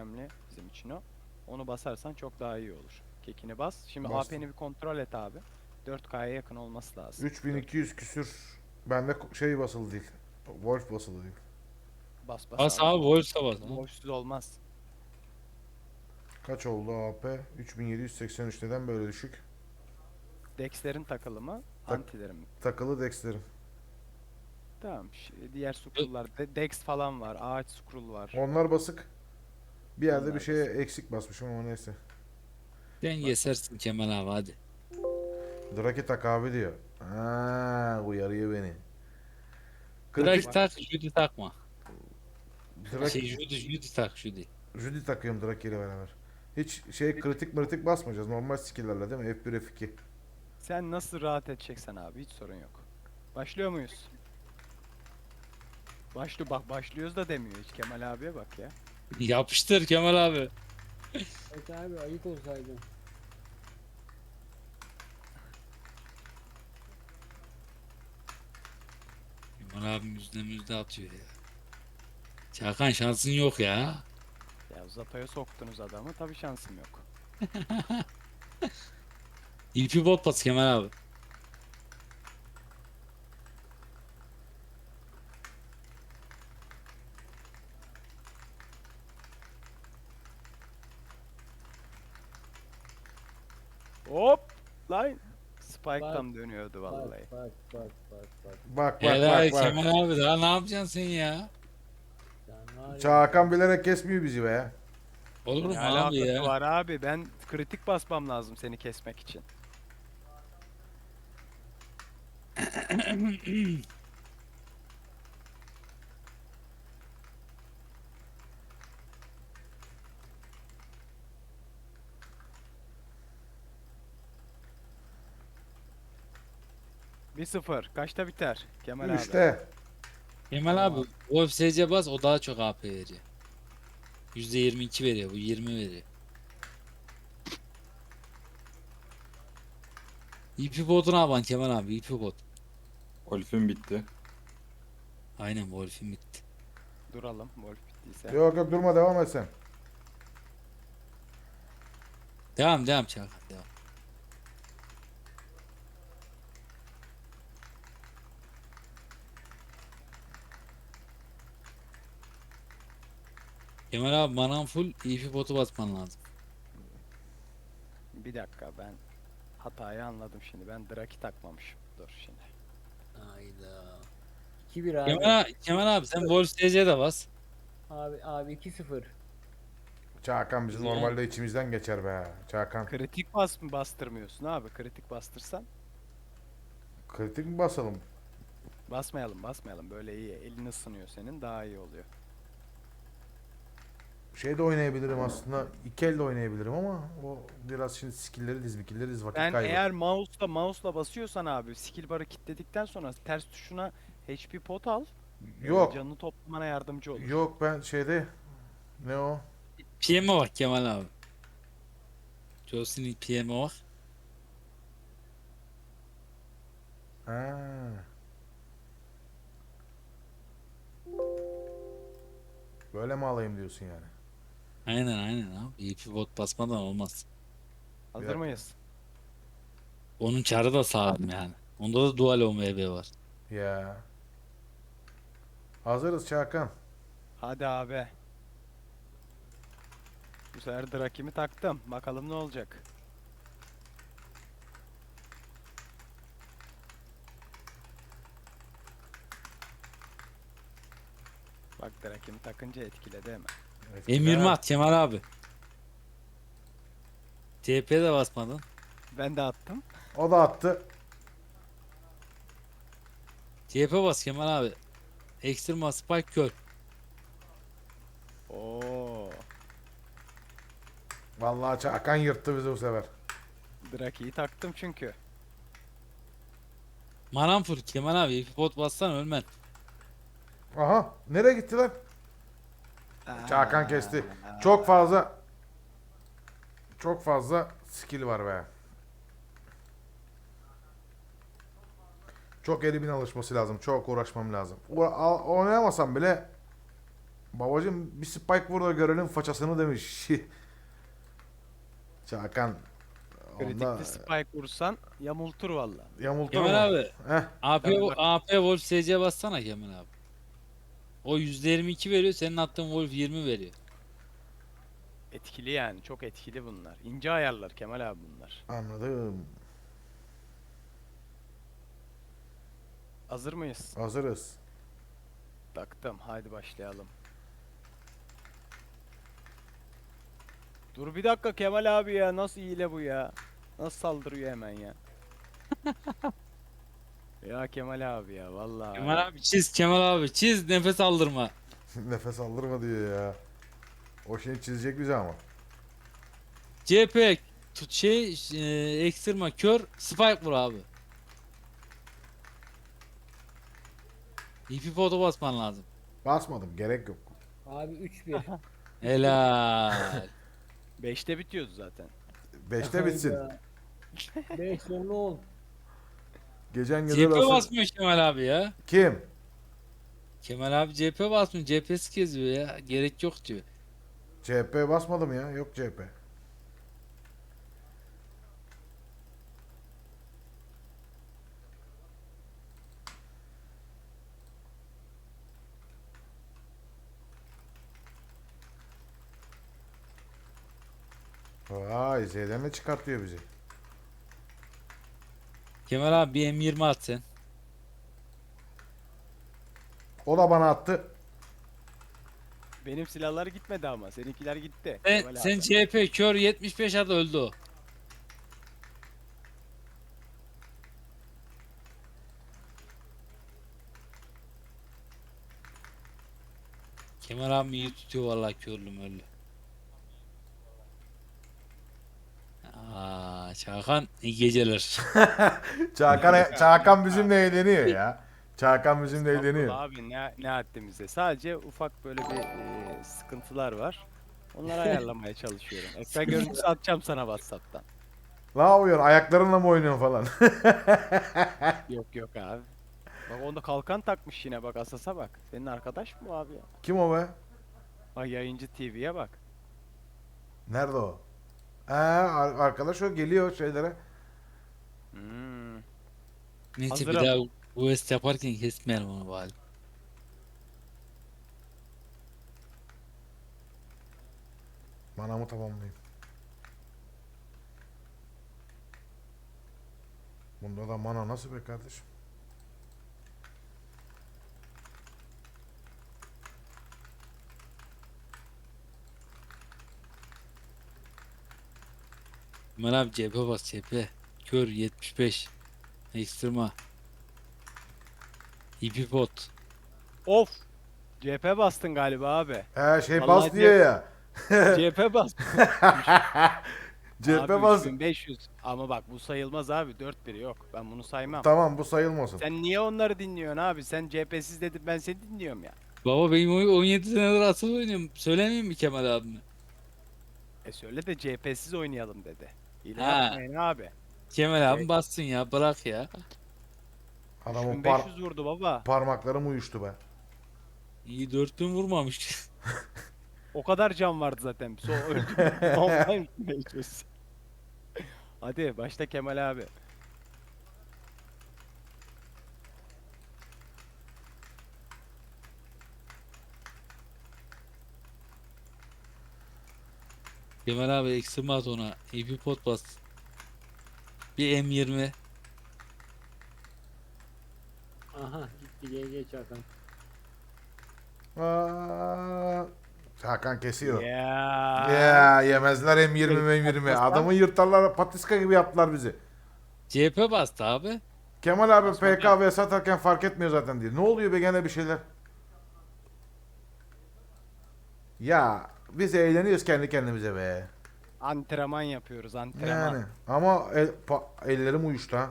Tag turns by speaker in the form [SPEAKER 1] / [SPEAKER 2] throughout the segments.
[SPEAKER 1] önemli bizim için o. Onu basarsan çok daha iyi olur. Kekini bas. Şimdi
[SPEAKER 2] Bastım.
[SPEAKER 1] AP'ni bir kontrol et abi. 4K'ya yakın olması lazım.
[SPEAKER 2] 3200 küsür. Bende şey basılı değil. Wolf basılı değil.
[SPEAKER 1] Bas bas
[SPEAKER 3] Bas
[SPEAKER 1] abi.
[SPEAKER 3] abi Wolves'a bas abi.
[SPEAKER 1] Wolf'suz olmaz.
[SPEAKER 2] Kaç oldu AP? 3783, neden böyle düşük?
[SPEAKER 1] Dex'lerin takılı mı?
[SPEAKER 2] Tak
[SPEAKER 1] Antilerin mi?
[SPEAKER 2] takılı dexlerim.
[SPEAKER 1] Tamam. Diğer scroll'lar. Dex falan var. Ağaç scroll var.
[SPEAKER 2] Onlar basık. Bir yerde bir
[SPEAKER 1] Onlar
[SPEAKER 2] şeye
[SPEAKER 1] basık.
[SPEAKER 2] eksik basmışım ama neyse.
[SPEAKER 3] Sen
[SPEAKER 1] Bak.
[SPEAKER 3] kesersin Kemal abi hadi.
[SPEAKER 2] Draki tak abi diyor. Ha, uyarıyor beni.
[SPEAKER 3] Drake
[SPEAKER 2] Kritik
[SPEAKER 1] Bak.
[SPEAKER 3] tak, Judy takma.
[SPEAKER 2] Draki
[SPEAKER 3] Judy tak Judy.
[SPEAKER 2] Judy takıyorum Draki ile beraber. Hiç şey kritik basmayacağız. Normal skill'lerle değil mi? F1 F2.
[SPEAKER 1] Sen nasıl rahat edeceksen abi. Hiç sorun yok. Başlıyor muyuz? Bak başlıyoruz da demiyor hiç. Kemal abiye bak ya.
[SPEAKER 3] Yapıştır Kemal abi.
[SPEAKER 4] Evet abi ayık olsaydı.
[SPEAKER 3] Kemal abim yüzde atıyor ya. Çakan şansın yok ya.
[SPEAKER 1] Ya Zato'ya soktunuz adamı. Tabii şansım yok.
[SPEAKER 3] İlpi bot bas Kemal abi.
[SPEAKER 1] Hop! Lan!
[SPEAKER 4] Bak
[SPEAKER 1] Spike'tan dönüyordu
[SPEAKER 4] bak
[SPEAKER 1] vallahi.
[SPEAKER 4] bak bak bak bak.
[SPEAKER 2] Bak bak
[SPEAKER 3] Helal
[SPEAKER 2] bak bak.
[SPEAKER 3] Kemal abi daha ne yapacaksın sen ya?
[SPEAKER 4] Sen var ya.
[SPEAKER 2] Çakan bilerek kesmiyor bizi be.
[SPEAKER 3] Olur mu
[SPEAKER 1] Ne
[SPEAKER 3] abi
[SPEAKER 1] alakası
[SPEAKER 3] ya?
[SPEAKER 1] var abi? Ben kritik basmam lazım seni kesmek için. Bir sıfır. Kaçta biter? Kemal abi.
[SPEAKER 2] 3'te.
[SPEAKER 3] Kemal abi
[SPEAKER 1] Tamam.
[SPEAKER 3] Wolf SC bas o daha çok AP veriyor. %22 veriyor bu 20 veriyor. İpi bot'u ne yapan Kemal abi ipi bot.
[SPEAKER 5] Olif'in bitti.
[SPEAKER 3] Aynen Wolf'in bitti.
[SPEAKER 1] Duralım. Wolf bittiyse.
[SPEAKER 2] Yok yok, durma, devam et sen.
[SPEAKER 3] Devam Çakan devam. Kemal abi manan full ipi botu basman lazım.
[SPEAKER 1] Bir dakika ben hatayı anladım şimdi. Ben Draki takmamışım. Dur şimdi.
[SPEAKER 3] Hayda.
[SPEAKER 4] 2-1 abi.
[SPEAKER 3] Kemal abi sen Wolf SC de bas.
[SPEAKER 4] Abi 2-0.
[SPEAKER 2] Çakan bizi
[SPEAKER 3] Güzel.
[SPEAKER 2] normalde içimizden geçer be. Çakan.
[SPEAKER 1] Kritik bastırmıyorsun abi. Kritik bastırsan
[SPEAKER 2] Kritik mi basalım?
[SPEAKER 1] basmayalım. Böyle iyi. Elin ısınıyor senin. Daha iyi oluyor.
[SPEAKER 2] Şey de oynayabilirim aslında. İki elle oynayabilirim ama o biraz şimdi skill'leri diz vakit
[SPEAKER 1] Ben
[SPEAKER 2] kaybı.
[SPEAKER 1] eğer mouse'la basıyorsan abi skill bar'ı kilitledikten sonra ters tuşuna HP pot al.
[SPEAKER 2] Yok.
[SPEAKER 1] Canını toplamana yardımcı olur.
[SPEAKER 2] Yok, ben şeyde ne o?
[SPEAKER 3] PM'e bak Kemal abi. Jocelyn PM'e bak.
[SPEAKER 2] Ha. Böyle mi alayım diyorsun yani?
[SPEAKER 3] Aynen abi. İpi bot basmadan olmaz.
[SPEAKER 2] Bir
[SPEAKER 1] Hazır
[SPEAKER 2] dakika.
[SPEAKER 1] mıyız?
[SPEAKER 3] Onun çarı da sağlam yani. Onda da dual OMB var.
[SPEAKER 2] Ya. Hazırız Çakan.
[SPEAKER 1] Hadi abi. Bu sefer Draki'mi taktım. Bakalım ne olacak. Bak Draki'mi takınca etkiledi hemen.
[SPEAKER 3] M20 at Kemal abi. TP de basmadın.
[SPEAKER 1] Ben de attım.
[SPEAKER 2] O da attı.
[SPEAKER 3] TP bas Kemal abi. Extrema Spike kör.
[SPEAKER 1] Oo.
[SPEAKER 2] Vallahi Çakan yırttı bizi bu sefer.
[SPEAKER 1] Draki'yi taktım çünkü.
[SPEAKER 3] Manan full Kemal abi. İpi bot bassan ölmen.
[SPEAKER 2] Aha, nereye gitti lan? Çakan kesti. Çok fazla skill var be. Çok elimin alışması lazım. Çok uğraşmam lazım. Oynayamasam bile Babacım bir spike vur da görelim façasını demiş. Çakan. Onda
[SPEAKER 1] Kritikli spike vursan yamultur valla.
[SPEAKER 2] yamultur
[SPEAKER 3] Kemal
[SPEAKER 2] mu?
[SPEAKER 3] abi.
[SPEAKER 2] Heh.
[SPEAKER 3] AP,
[SPEAKER 1] Tabii bak.
[SPEAKER 3] AP Wolf SC bassana Kemal abi. O %22 veriyor. Senin attığın Wolf 20 veriyor.
[SPEAKER 1] Etkili yani. Çok etkili bunlar. İnce ayarlar Kemal abi bunlar.
[SPEAKER 2] Anladım.
[SPEAKER 1] Hazır mıyız?
[SPEAKER 2] Hazırız.
[SPEAKER 1] Taktım. Haydi başlayalım. Dur bir dakika Kemal abi ya. Nasıl hile bu ya? Nasıl saldırıyor hemen ya? Ya Kemal abi ya vallahi.
[SPEAKER 3] Kemal abi çiz, Kemal abi çiz, nefes aldırma.
[SPEAKER 2] Nefes aldırma diyor ya. O şeyi çizecek bize ama.
[SPEAKER 3] CP tut ekstrema kör spike vur abi. İpi foto basman lazım.
[SPEAKER 2] Basmadım, gerek yok.
[SPEAKER 4] Abi 3-1.
[SPEAKER 3] Helal.
[SPEAKER 1] 5'te bitiyordu zaten.
[SPEAKER 2] 5'te bitsin.
[SPEAKER 4] 5 sonra 10.
[SPEAKER 2] Gecen güzel
[SPEAKER 3] CP
[SPEAKER 2] olsun.
[SPEAKER 3] basmıyor Kemal abi ya.
[SPEAKER 2] Kim?
[SPEAKER 3] Kemal abi CP basmıyor. CP'si geziyor ya. Gerek yok diyor.
[SPEAKER 2] CHP basmadım ya. Yok CHP. Vay Z'den de çıkartıyor bizi.
[SPEAKER 3] Kemal abi bir M20 at sen.
[SPEAKER 2] O da bana attı.
[SPEAKER 1] Benim silahlar gitmedi ama. Seninkiler gitti.
[SPEAKER 3] Sen,
[SPEAKER 1] Kemal
[SPEAKER 3] sen
[SPEAKER 1] abi.
[SPEAKER 3] CP kör 75 at öldü o. Kemal abi iyi tutuyor vallahi körlüm öyle. Aa, Çakan iyi geceler.
[SPEAKER 2] Çakan bizimle eğleniyor ya. Çakan bizimle
[SPEAKER 1] Estağfurullah
[SPEAKER 2] eğleniyor.
[SPEAKER 1] abi ne haddimize. Sadece ufak böyle bir sıkıntılar var. Onları ayarlamaya çalışıyorum. Ekran görüntüsü atacağım sana WhatsApp'tan.
[SPEAKER 2] Ne yapıyorsun? Ayaklarınla mı oynuyorsun falan?
[SPEAKER 1] Yok yok abi. Bak onda kalkan takmış yine bak Asas'a bak. Senin arkadaş mı bu abi ya?
[SPEAKER 2] Kim o be?
[SPEAKER 1] Bak yayıncı TV'ye bak.
[SPEAKER 2] Nerede o? Arkadaş o geliyor şeylere.
[SPEAKER 1] Hmm.
[SPEAKER 3] Neyse bir
[SPEAKER 1] Hazırım.
[SPEAKER 3] daha West yaparken kesmeyelim onu bari.
[SPEAKER 2] Manamı tamamlayayım. Bunda da mana nasıl be kardeşim?
[SPEAKER 3] Kemal abi CP bas CP. Kör 75. Ekstrema. İpi pot.
[SPEAKER 1] Of. CP bastın galiba abi.
[SPEAKER 2] Şey
[SPEAKER 1] Vallahi
[SPEAKER 2] bas diyor ya.
[SPEAKER 1] CP bas.
[SPEAKER 2] CHP
[SPEAKER 1] Abi
[SPEAKER 2] bas.
[SPEAKER 1] 3500. Ama bak bu sayılmaz abi. 4-1 yok. Ben bunu saymam.
[SPEAKER 2] Tamam bu sayılmasın.
[SPEAKER 1] Sen niye onları dinliyorsun abi? Sen CHP'siz dedin ben seni dinliyorum ya.
[SPEAKER 3] Baba benim 17 senedir asıl oynuyorum. Söylemeyeyim mi Kemal abime?
[SPEAKER 1] Söyle de CHP'siz oynayalım dedi. Hile
[SPEAKER 3] Ha.
[SPEAKER 1] yapmayın abi.
[SPEAKER 3] Kemal abi
[SPEAKER 1] Evet.
[SPEAKER 3] bassın ya bırak ya.
[SPEAKER 2] Adamın
[SPEAKER 1] 3500 vurdu baba.
[SPEAKER 2] parmaklarım uyuştu be.
[SPEAKER 3] İyi 4000 vurmamış.
[SPEAKER 1] O kadar can vardı zaten. So öldü. Ondan 500. Hadi başla Kemal abi.
[SPEAKER 3] Kemal abi ekstrema at ona. İpi pot bas. Bir M20.
[SPEAKER 4] Aha gitti GG Çakan.
[SPEAKER 2] Hakan kesiyor.
[SPEAKER 1] Ya.
[SPEAKER 2] Ya yemezler M20 M20. Adamı yırtarlar patiska gibi yaptılar bizi.
[SPEAKER 3] CP bastı abi.
[SPEAKER 2] Kemal abi
[SPEAKER 1] Basmadı.
[SPEAKER 2] PKV satarken fark etmiyor zaten diye. Ne oluyor be gene bir şeyler. Ya biz eğleniyoruz kendi kendimize be.
[SPEAKER 1] Antrenman yapıyoruz antrenman.
[SPEAKER 2] Yani ama ellerim uyuştu ha.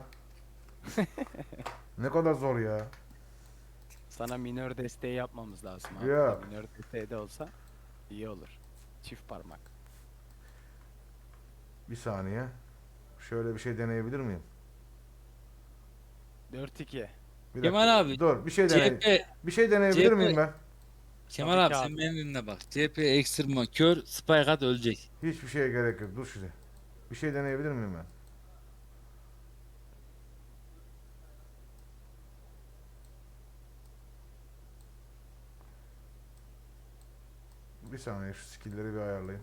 [SPEAKER 2] Ne kadar zor ya.
[SPEAKER 1] Sana minör desteği yapmamız lazım abi.
[SPEAKER 2] Yok.
[SPEAKER 1] Minör desteği de olsa iyi olur. Çift parmak.
[SPEAKER 2] Bir saniye. Şöyle bir şey deneyebilir miyim?
[SPEAKER 1] 4-2.
[SPEAKER 2] Bir
[SPEAKER 3] Kemal
[SPEAKER 2] dakika.
[SPEAKER 3] abi,
[SPEAKER 2] Dur bir şey deney.
[SPEAKER 3] CP
[SPEAKER 2] Bir şey deneyebilir
[SPEAKER 3] CP
[SPEAKER 2] miyim ben?
[SPEAKER 3] Kemal
[SPEAKER 1] Tabii
[SPEAKER 3] abi
[SPEAKER 1] ki
[SPEAKER 3] sen
[SPEAKER 1] abi.
[SPEAKER 3] beni dinle bak. CHP ekstrema kör spike at ölecek.
[SPEAKER 2] Hiçbir şeye gerek yok. Dur şimdi. Bir şey deneyebilir miyim ben? Bir saniye şu skill'leri bir ayarlayayım.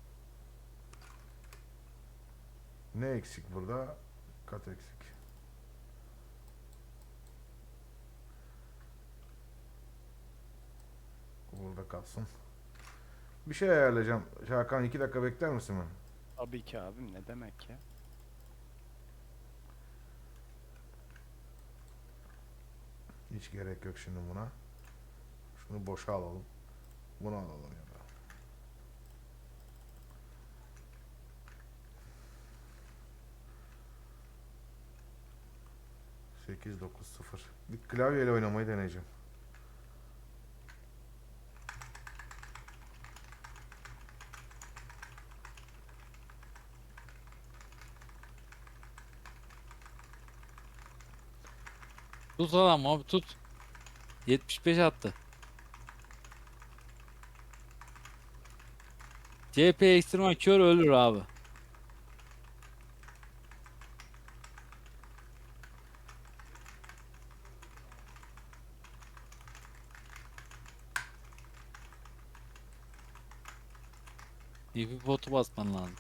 [SPEAKER 2] Ne eksik burada? Kat eksik. Burada kalsın. Bir şey ayarlayacağım. Şakan 2 dakika bekler misin ben?
[SPEAKER 1] Tabii ki abim, ne demek ya.
[SPEAKER 2] Hiç gerek yok şimdi buna. Şunu boşa alalım. Bunu alalım ya da. Sekiz dokuz sıfır. Bir klavyeyle oynamayı deneyeceğim.
[SPEAKER 3] Tut adam abi tut. 75 attı. CHP ekstrema kör ölür abi. DP potu basman lazım.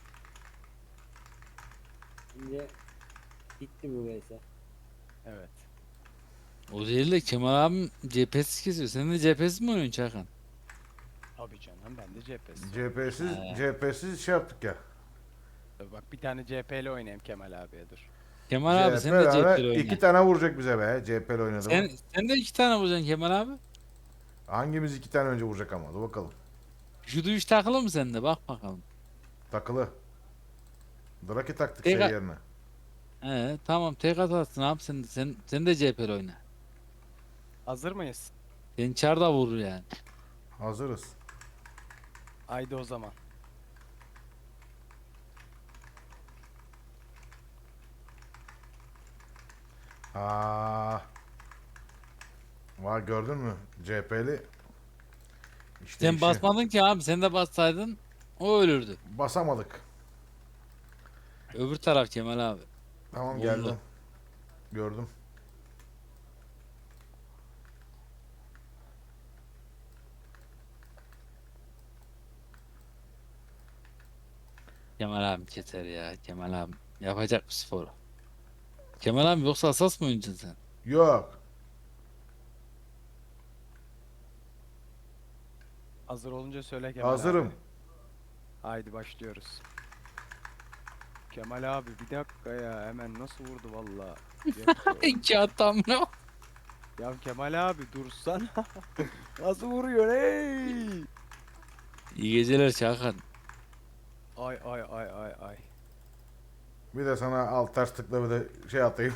[SPEAKER 4] Şimdi bitti bu vs.
[SPEAKER 1] Evet.
[SPEAKER 3] O değil de Kemal abim CHP'siz kesiyor. Sen de CHP'siz mi oynuyorsun Çakan?
[SPEAKER 1] Tabii canım, ben de cephesiz.
[SPEAKER 2] CHP'siz şey yaptık ya.
[SPEAKER 1] Bak bir tane CHP'li oynayayım Kemal abiye, dur.
[SPEAKER 3] Kemal abi sen de CHP'li oyna.
[SPEAKER 2] 2 tane vuracak bize be. CHP'li oynadı mı?
[SPEAKER 3] Sen de 2 tane vuracaksın Kemal abi.
[SPEAKER 2] Hangimiz 2 tane önce vuracak ama? Dur bakalım.
[SPEAKER 3] Şu duyuş takılı mı sende? Bak bakalım.
[SPEAKER 2] Takılı. Draki taktık
[SPEAKER 3] Tek-
[SPEAKER 2] şey yerine.
[SPEAKER 3] Tamam tek atarsın abi sen de CHP'li oyna.
[SPEAKER 1] Hazır mıyız?
[SPEAKER 3] Seni çar da vurur yani.
[SPEAKER 2] Hazırız.
[SPEAKER 1] Haydi o zaman.
[SPEAKER 2] Aa. Var gördün mü? CHP'li. İşte
[SPEAKER 3] Sen
[SPEAKER 2] işi.
[SPEAKER 3] basmadın ki abi sen de bassaydın o ölürdü.
[SPEAKER 2] Basamadık.
[SPEAKER 3] Öbür taraf Kemal abi.
[SPEAKER 2] Tamam
[SPEAKER 3] Oldu.
[SPEAKER 2] geldim. Gördüm.
[SPEAKER 3] Kemal abi keser ya Kemal abi. Yapacak bu sporu. Kemal abi yoksa asas mı oynayacaksın sen?
[SPEAKER 2] Yok.
[SPEAKER 1] Hazır olunca söyle Kemal
[SPEAKER 2] Hazırım.
[SPEAKER 1] abi. Haydi başlıyoruz. Kemal abi bir dakika ya, hemen nasıl vurdu valla. Yok.
[SPEAKER 3] İki atam ne?
[SPEAKER 1] Ya Kemal abi dursana. Nasıl vuruyor ey?
[SPEAKER 3] İyi geceler Çakan.
[SPEAKER 1] Ay ay ay ay ay.
[SPEAKER 2] Bir de sana alt ters tıkla bir de şey atayım.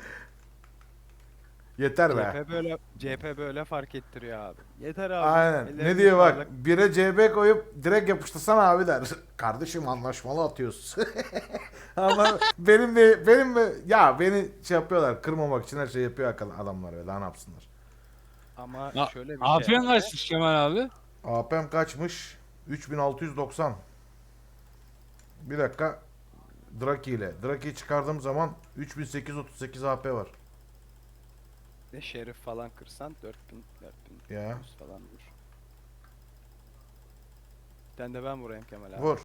[SPEAKER 2] Yeter be.
[SPEAKER 1] CHP böyle fark ettiriyor abi. Yeter abi.
[SPEAKER 2] Aynen.
[SPEAKER 1] Ellerine
[SPEAKER 2] Ne diyor bak.
[SPEAKER 1] sağlık.
[SPEAKER 2] Bire CB koyup direkt yapıştırsana abi der. Kardeşim anlaşmalı atıyoruz. Ama benim de ya beni şey yapıyorlar. Kırmamak için her şey yapıyor adamlar ve daha ne yapsınlar.
[SPEAKER 1] Ama
[SPEAKER 3] Ya,
[SPEAKER 1] şöyle bir
[SPEAKER 3] Aferin
[SPEAKER 1] şey.
[SPEAKER 3] kaçmış Kemal abi.
[SPEAKER 2] AP'm kaçmış? 3690. Bir dakika. Draki ile. Draki'yi çıkardığım zaman 3838 AP var.
[SPEAKER 1] Ne şerif falan kırsan 4000
[SPEAKER 2] Ya.
[SPEAKER 1] falan vur. Bir tane de ben vurayım Kemal abi.
[SPEAKER 2] Vur.